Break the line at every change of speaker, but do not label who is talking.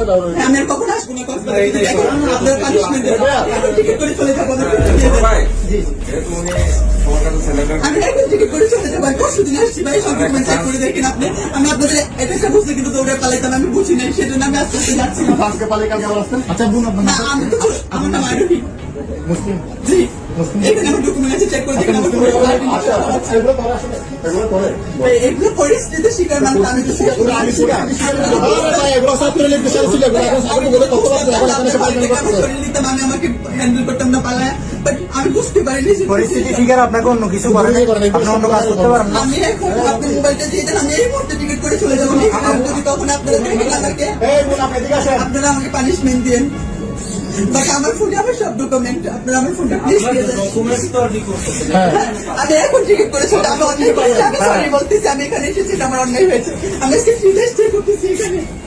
আমি আর কখন আসবো না আপনার পানিশমেন্ট টিকিট করে চলে যাবো আমি এখন টিকিট করে চলে যাবো পরশু দিন আসছি ভাই সব ডকুমেন্ট চেক করে দেখেন আপনি আমি আপনাদের এটা বুঝতে কিন্তু দৌড়ে পালাইতাম আমি বুঝি নাই সেজন্য আমি আস্তে আস্তে যাচ্ছি
আজকে পালে কালকে আবার আসতেন আচ্ছা বোন আপনার
না আমি তো আমার নাম আরোহী
মুসলিম
জি এখানে আমার ডকুমেন্ট আছে চেক করে দেখেন এগুলো পরিস্থিতি শিকার মানুষ আমি তো আমি আমাকে হ্যান্ডেল করতাম না পালায় আমি বুঝতে পারিনি
পরিস্থিতি শিকার আপনাকে অন্য কিছু করেন আপনি অন্য কাজ করতে পারেন না।
আমি এখন আপনার মোবাইলটা দিয়ে দেন আমি এই মুহূর্তে টিকিট করে চলে যাবো যদি তখন আপনারা দেখেন আমাকে আপনারা আমাকে পানিশমেন্ট দিন বাট আমার ফোনে আমার সব ডকুমেন্ট আপনারা আমার ফোনটা প্লিজ দিয়ে দেন আমি এখন টিকিট করেছি আমি অন্যায় করেছি আমি সরি বলতেছি আমি এখানে এসেছি আমার অন্যায় হয়েছে আমি আজকে ফ্রি টেস্ট করতেছি এখানে